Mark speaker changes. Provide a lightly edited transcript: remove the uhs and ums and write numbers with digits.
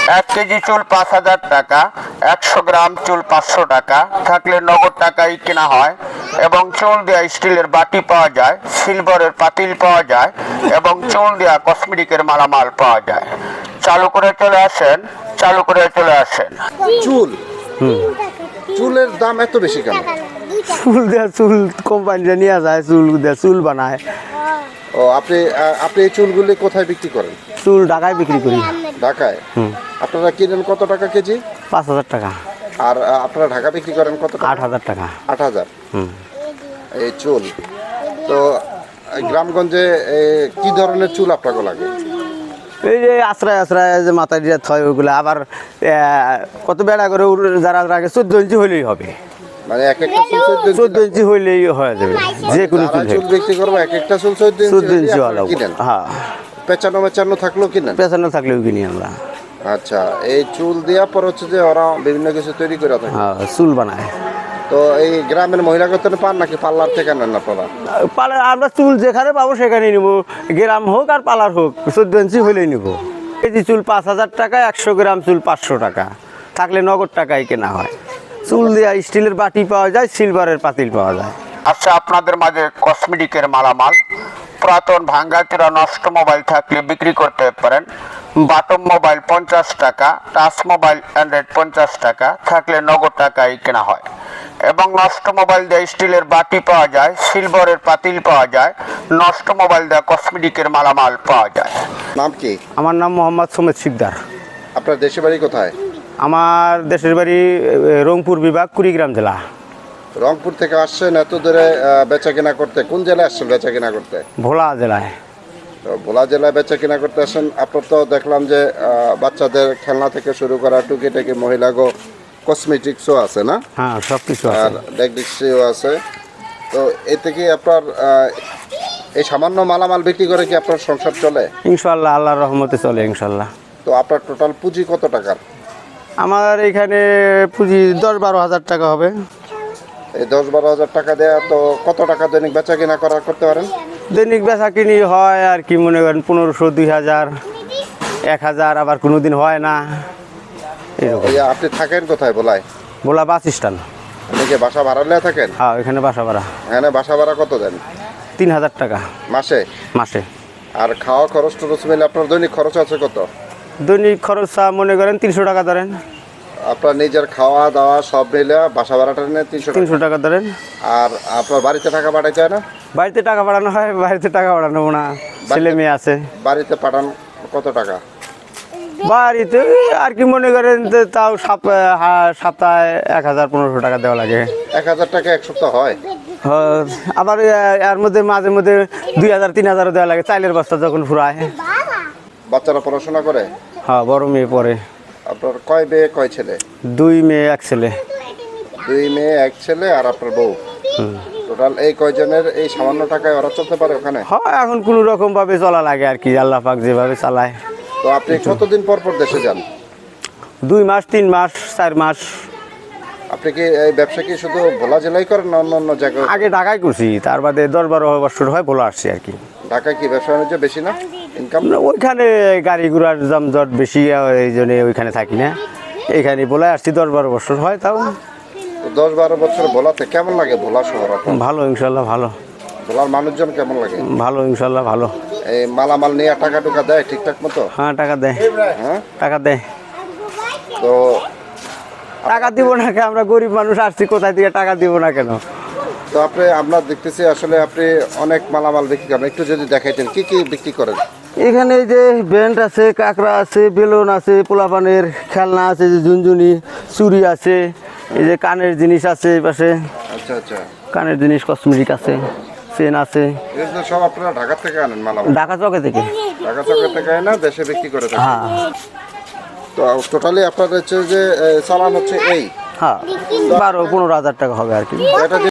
Speaker 1: 1 KG চুল 5,000 টাকা, 100 গ্রাম চুল 500 টাকা, থাকলে নগদ টাকায় কেনা হয়। এবং চুল দেওয়া স্টিলের বাটি পাওয়া যায়, সিলভারের পাতিল পাওয়া যায় এবং চুল দেওয়া কসমেটিকের মালামাল পাওয়া যায়। চালু করে চলে আসেন, চালু করে চলে আসেন।
Speaker 2: চুল চুলের দাম এত বেশি কেন?
Speaker 3: চুল কোম্পানিটা নিয়ে যায়, চুল বানায়।
Speaker 2: ও আপনি আপনি এই চুলগুলি কোথায় বিক্রি করেন?
Speaker 3: চুল ঢাকায় বিক্রি করি।
Speaker 2: ঢাকায়? আপনারা কিনেন কত টাকা কেজি?
Speaker 3: 5,000 টাকা।
Speaker 2: আর আপনারা ঢাকা বিক্রি করেন কত টাকা?
Speaker 3: 8,000 টাকা।
Speaker 2: 8,000। এই চুল তো গ্রামগঞ্জে কি ধরনের চুল আপনাকে লাগে?
Speaker 3: এই যে আশ্রয় যে মাথায় দিয়ে থয় ওইগুলো আবার কত বেড়া করে যারা রাখে 14 ইঞ্চি হইলেই হবে।
Speaker 2: মানে এক একটা চুল
Speaker 3: 14 ইঞ্চি হইলেই হয়ে যাবে, যে কোনো
Speaker 2: চুল বিক্রি করবো, এক একটা চুল 14 ইঞ্চি কিনেন?
Speaker 3: হ্যাঁ,
Speaker 2: পেঁচানো থাকলেও কিনেন?
Speaker 3: পেছানো থাকলেও কিনি আমরা।
Speaker 2: আচ্ছা, এই চুল দেওয়ার পর হচ্ছে যে ওরা বিভিন্ন কিছু তৈরি করে থাকে।
Speaker 3: হ্যাঁ, চুল বানায়।
Speaker 2: তো এই গ্রামের মহিলাগত পান নাকি পার্লার থেকে নেন আপনারা?
Speaker 3: পার্লার আমরা চুল যেখানে পাবো সেখানেই নিবো, গ্রাম হোক আর পার্লার হোক, 14 ইঞ্চি হইলেই নিবো। কেজি চুল 5,000 টাকা, 100 গ্রাম চুল 500 টাকা, থাকলে নগদ টাকায় কেনা হয়। চুল দেওয়া স্টিলের বাটি পাওয়া যায়, সিলভারের পাতিল পাওয়া যায়।
Speaker 1: আচ্ছা, আপনাদের মাঝে কসমেটিকের মালামাল, পুরাতন ভাঙ্গাচোরা নষ্ট মোবাইল থাকলে বিক্রি করতে পারেন। বাটম মোবাইল 50 টাকা, টাচ মোবাইল অ্যান্ড্রয়েড 50 টাকা, থাকলে নগদ টাকায় কেনা হয়। এবং নষ্ট মোবাইল দিয়ে স্টিলের বাটি পাওয়া যায়, সিলভারের পাতিল পাওয়া যায়, নষ্ট মোবাইল দিয়ে কসমেটিকের মালামাল পাওয়া যায়।
Speaker 2: নাম কি?
Speaker 3: আমার নাম মোহাম্মদ সুমেদ শিকদার।
Speaker 2: আপনার দেশের বাড়ি কোথায়?
Speaker 3: আমার দেশের বাড়ি রংপুর বিভাগ, কুড়িগ্রাম জেলা।
Speaker 2: রংপুর থেকে আসছেন এত দূরে বেচা কেনা করতে? কোন জেলায় আসছেন বেচা কেনা করতে?
Speaker 3: ভোলা জেলায়।
Speaker 2: তো ভোলা জেলায় বেচা কেনা করতে আসেন। আপনার তো দেখলাম যে বাচ্চাদের খেলনা থেকে শুরু করা টুকিটাকি মহিলাগো কসমেটিক্সও আছে না?
Speaker 3: হ্যাঁ, সব কিছু
Speaker 2: আর
Speaker 3: আছে।
Speaker 2: ডেকডিক্সিও আছে। তো এতে কি আপনার এই সামান্য মালামাল বিক্রি করে কি আপনার সংসার চলে?
Speaker 3: ইনশাল্লাহ, আল্লাহর রহমতে চলে ইনশাল্লাহ।
Speaker 2: তো আপনার টোটাল পুঁজি কত টাকার?
Speaker 3: আমার এখানে পুঁজি 10-12 হাজার টাকা হবে।
Speaker 2: এই 10-12 হাজার টাকা দেয়া তো কত টাকা দৈনিক বেচা কেনা করতে পারেন?
Speaker 3: দৈনিক বেচা কিনি হয় আর কি মনে করেন 1500, 2000, 1000, আবার কোনো দিন হয় না এরকম।
Speaker 2: আপনি থাকেন কোথায় ভোলায়?
Speaker 3: Bhola bus stand.
Speaker 2: আপনি কি বাসা ভাড়া নিয়ে থাকেন?
Speaker 3: হ্যাঁ, এখানে বাসা ভাড়া।
Speaker 2: এখানে বাসা ভাড়া কত দেন?
Speaker 3: 3,000 টাকা
Speaker 2: মাসে?
Speaker 3: মাসে।
Speaker 2: আর খাওয়া খরচ টরচ মিলে আপনার দৈনিক খরচ আছে কত?
Speaker 3: দৈনিক খরচ মনে করেন 300 টাকা ধরেন।
Speaker 2: আপনার নিজের খাওয়া দাওয়া সব মিলে বাসা ভাড়াটা নেন
Speaker 3: 300 টাকা ধরেন।
Speaker 2: আর আপনার বাড়িতে টাকা পাঠাইতে হয় না?
Speaker 3: বাড়িতে টাকা পাঠানো হয়, বাড়িতে টাকা পাঠানো না, ছেলে মেয়ে আছে।
Speaker 2: বাড়িতে পাঠান কত টাকা?
Speaker 3: বাড়িতে আর কি মনে করেন তাও সপ্তাহে 1000-1500 টাকা দেওয়া লাগে।
Speaker 2: 1000 টাকা এক সপ্তাহ হয়?
Speaker 3: আবার এর মধ্যে মাঝে মধ্যে 2000-3000 দেওয়া লাগে, চাইলের বস্তা যখন ফুরায়।
Speaker 2: বাচ্চারা পড়াশোনা করে?
Speaker 3: হ্যাঁ, বড় মেয়ে পড়ে।
Speaker 2: আপনার কয় মেয়ে কয় ছেলে?
Speaker 3: 2 মেয়ে 1 ছেলে।
Speaker 2: 2 মেয়ে 1 ছেলে আর আপনার বউ। টোটাল এই কয়জনের এই সামান্য টাকায় ওরা চলতে পারে ওখানে?
Speaker 3: হ্যাঁ, এখন কোনো রকম ভাবে চলা লাগে আর কি, আল্লাহ পাক যেভাবে চালায়।
Speaker 2: তো আপনি কতদিন পর পর দেশে যান?
Speaker 3: 2 মাস, 3 মাস, 4 মাস।
Speaker 2: আপনি কি এই ব্যবসা কি শুধু ভোলা জেলায় করেন না অন্য অন্য জায়গায়?
Speaker 3: আগে ঢাকায় করছি, তার বাদে 10-12 বছর হয় ভোলা আসছি আর কি।
Speaker 2: ঢাকায় কি ব্যবসা বাণিজ্য বেশি না ইনকাম?
Speaker 3: ওইখানে গাড়ি ঘোড়ার জমজট বেশি, এই জন্য ওইখানে থাকি না। এইখানে ভোলা আসছি 10-12 বছর হয়। তাও
Speaker 2: 10-12 বছর ভোলাতে কেমন লাগে? ভোলা শহর আপনার?
Speaker 3: ভালো ইনশাল্লাহ, ভালো।
Speaker 2: ভোলার মানুষজন কেমন লাগে?
Speaker 3: ভালো ইনশাল্লাহ, ভালো।
Speaker 2: এই মালামাল নিয়ে টাকা টুকা দেয় ঠিকঠাক মতো?
Speaker 3: হ্যাঁ, টাকা দেয়।
Speaker 2: হ্যাঁ,
Speaker 3: টাকা দেয়।
Speaker 2: তো
Speaker 3: টাকা দিব না কেন? আমরা গরিব মানুষ আসছি, কোথায় থেকে টাকা দিব না কেন?
Speaker 2: তো আমরা দেখতেছি আসলে আপনি অনেক মালামাল বিক্রি করেন, একটু যদি দেখাইতেন কি কি বিক্রি করেন?
Speaker 3: এখানে এই যে ব্যান্ড আছে, কাঁকড়া আছে, বেলুন আছে, পোলাপানের খেলনা আছে, যে ঝুনঝুনি, চুড়ি আছে, এই যে কানের জিনিস আছে এই পাশে।
Speaker 2: আচ্ছা আচ্ছা,
Speaker 3: কানের জিনিস, কসমেটিক আছে, চেন আছে।
Speaker 2: এগুলো সব আপনারা ঢাকা থেকে আনেন মালামাল?
Speaker 3: ঢাকা চকে থেকে।
Speaker 2: ঢাকা চকের থেকে না দেশে বিক্রি করে থাকেন?
Speaker 3: হ্যাঁ
Speaker 2: তো টোটালি আপনার হচ্ছে যে চালান হচ্ছে এই?
Speaker 3: হ্যাঁ, 12-15 হাজার টাকা হবে আর কি।
Speaker 2: এটা